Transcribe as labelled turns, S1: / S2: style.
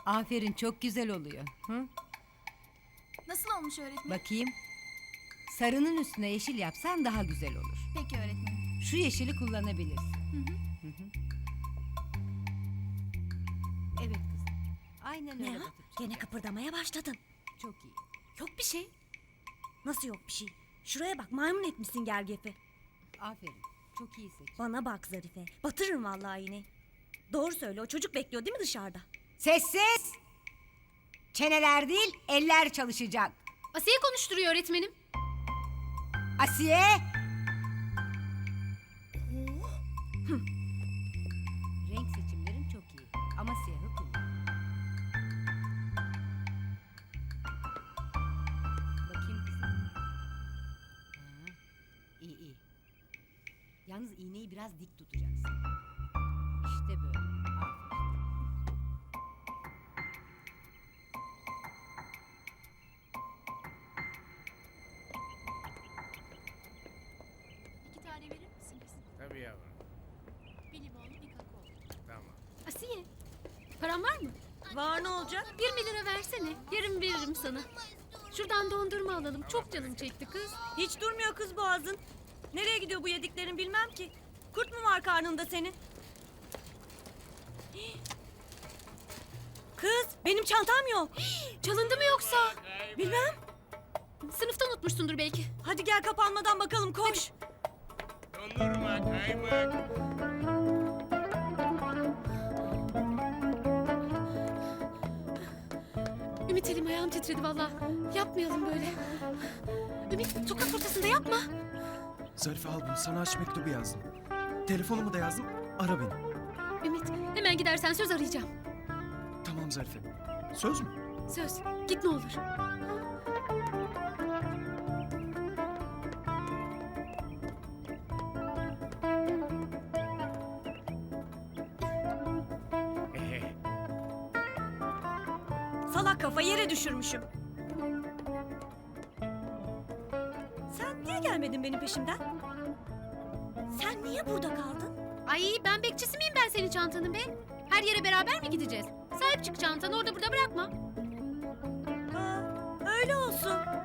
S1: Aferin, çok güzel oluyor. Hı?
S2: Nasıl olmuş öğretmenim?
S1: Bakayım. Sarının üstüne yeşil yapsan daha güzel olur.
S2: Peki öğretmenim.
S1: Şu yeşili kullanabilirsin.
S2: Hı hı.
S1: Evet kızım. Aynen
S3: Ne
S1: öyle
S3: ha?
S1: Batırcığım.
S3: Gene kıpırdamaya başladın.
S1: Çok iyi.
S3: Yok bir şey. Nasıl yok bir şey? Şuraya bak, maymun etmişsin gergefi.
S1: Aferin. Çok iyi seç.
S3: Bana bak Zarife. Batırırım vallahi yine. Doğru söyle, o çocuk bekliyor değil mi dışarıda?
S1: Sessiz! Çeneler değil, eller çalışacak.
S4: Asiye konuşturuyor öğretmenim.
S1: Asiye! Renk seçimlerin çok iyi. Ama siyahı kullan. Bakayım kızım. Ha, iyi iyi. Yalnız iğneyi biraz dik tutacaksın. İşte böyle. Aferin.
S4: İki tane verir misiniz?
S5: Tabii yavrum.
S4: Bir limonlu bir kakao.
S5: Tamam.
S4: Asiye, paran var mı?
S3: Var, ne olacak?
S4: 20 lira versene. Yarın veririm sana. Şuradan dondurma alalım. Çok canım çekti kız.
S3: Hiç durmuyor kız boğazın. Nereye gidiyor bu yediklerin bilmem ki. Kurt mu var karnında senin? Kız, benim çantam yok.
S4: Çalındı mı yoksa?
S3: Bilmem.
S4: Sınıfta unutmuşsundur belki.
S3: Hadi gel, kapanmadan bakalım, koş.
S5: Dondurma, kaymak.
S4: Ümit, elim ayağım titredi valla. Yapmayalım böyle. Ümit, sokak ortasında yapma.
S6: Zarife al bunu, sana aşk mektubu yazdım. Telefonumu da yazdım, ara beni.
S4: Ümit, hemen gidersen söz arayacağım.
S6: Tamam Zarife. Söz mü?
S4: Söz, git ne olur.
S3: Salak kafa, yere düşürmüşüm. Sen niye gelmedin benim peşimden? Sen niye burada kaldın?
S4: Ay, ben bekçisi miyim ben senin çantanın be? Her yere beraber mi gideceğiz? Sahip çık çantanı, orada burada bırakma.
S3: Aa, öyle olsun.